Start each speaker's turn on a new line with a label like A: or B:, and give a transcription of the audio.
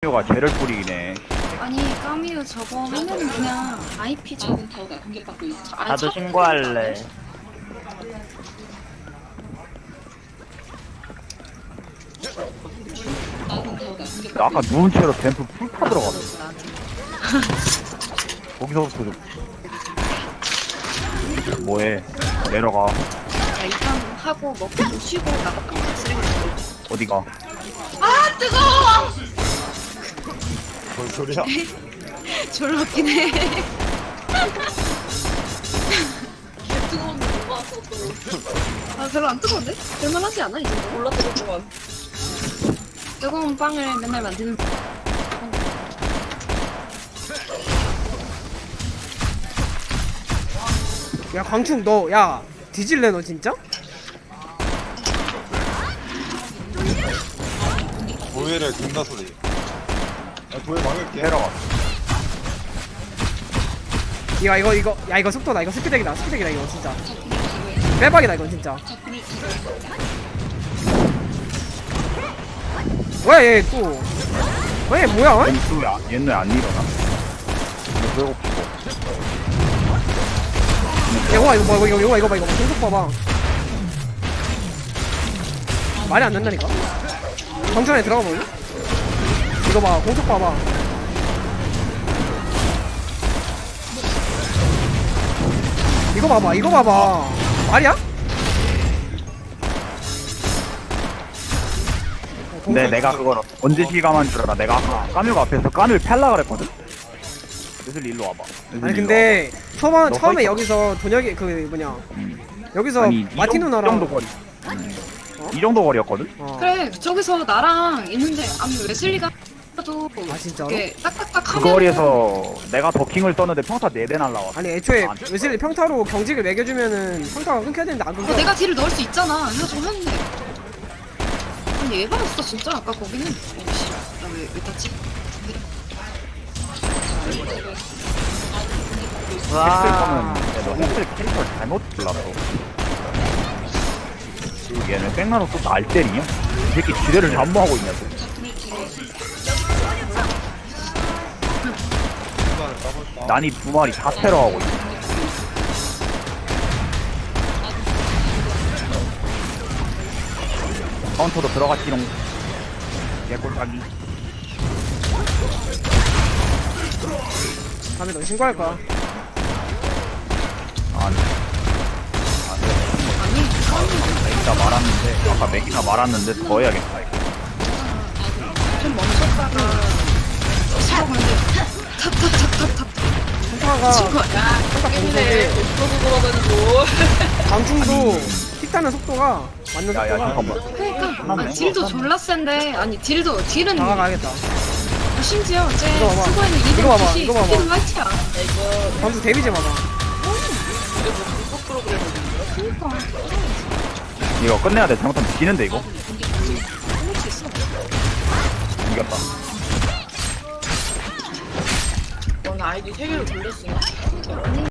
A: 까뮤가 쟤를 뿌리기네.
B: 아니 까미유 저거 하면은 그냥 IP 저
C: 나도 신고할래.
A: 나 아까 누운 채로 댐프 풀타 들어갔어. 거기서부터 좀 뭐해? 내려가.
B: 야, 일단 하고 먹고 좀 쉬고 나갔다 쓰레기 줍고.
A: 어디가?
B: 아 뜨거워!
D: 뭔 소리야?
B: 졸라 웃기네. 아 별로 안 뜨거운데? 될만하지 않아 이 정도? 몰라 뜨거운 뜨거운 빵을 맨날 만드는
E: 야 광충 너 야 뒤질래 너 진짜?
D: 도예를 든다 소리. 야, 도예 막을게.
A: 내려가.
E: 이거 야 이거 속도다 이거 스피덱이다 이거 진짜 빼박이다 이건 진짜. 왜 얘 또 왜 뭐야 어?
A: 얘는 안 일어나. 이거
E: 이거 봐 계속 봐봐. 말이 안 된다니까. 정전에 들어가 볼래? 이거 봐 공속 봐봐. 이거 봐봐 말이야?
A: 근데 내가 그걸 언제 실감한 줄 알아? 내가 아까 까뮤가 앞에서 까뮤를 팰라 그랬거든? 그래서 일로 와봐.
E: 아니 근데 처음에
A: 서 있어.
E: 여기서 돈혁이 그 뭐냐 여기서
A: 아니,
E: 마티
A: 이
E: 누나랑
A: 정도 거리. 이 정도 거리였거든?
E: 어.
B: 그래 저기서 나랑 있는데 아니 웨슬리가 도
E: 아, 진짜로?
B: 이렇게 딱딱딱
A: 그
B: 하면은
A: 거리에서 내가 더킹을 떴는데 평타 4대 날라왔어.
E: 아니 애초에
A: 안
E: 웨슬리 평타로 경직을 매겨주면은 평타가 끊겨야 되는데 안 끊겨.
B: 내가 딜을 넣을 수 있잖아 해가지고 했는데 아니 예방했어 진짜 아까 거기는 어씨 나왜 땄지?
A: 했을
C: 와.
A: 거면 너 했을 캐릭터를 잘못 골랐어. 그리고 얘는 백나노 또 날 때리냐? 이 새끼 지뢰를 잠무하고 있냐 또. 난이 2마리 다 테러하고 있어. 카운터도 들어갔지롱. 개꿀딱이.
E: 다음에 너 신고할 거야.
A: 아니. 맥이나 말았는데 아까 맥이나 말았는데 더 해야겠다 이거.
B: 좀 멈췄다가 시작 근데 탑탑탑탑탑
E: 평타가
B: 친구야
E: 평타 공속이 광충도 픽 따는 속도가 맞는
A: 야야
E: 속도가
A: 잠깐만.
B: 그러니까
A: 하네.
B: 아니, 딜도 졸라 센데 아니 딜은
E: 다가가야겠다.
B: 심지어 쟤
E: 이거 봐봐.
B: 쓰고 있는
E: 이거 봐봐,
B: 200이
E: 이거 봐봐.
B: 딜 화이트야
E: 광충 데미지 봐봐.
B: 그니까
A: 이거 끝내야 돼. 잘못하면 지는데 이거.
B: 할수 있어
A: 이겼다.
F: 너는 아이디 3개로 돌렸으나?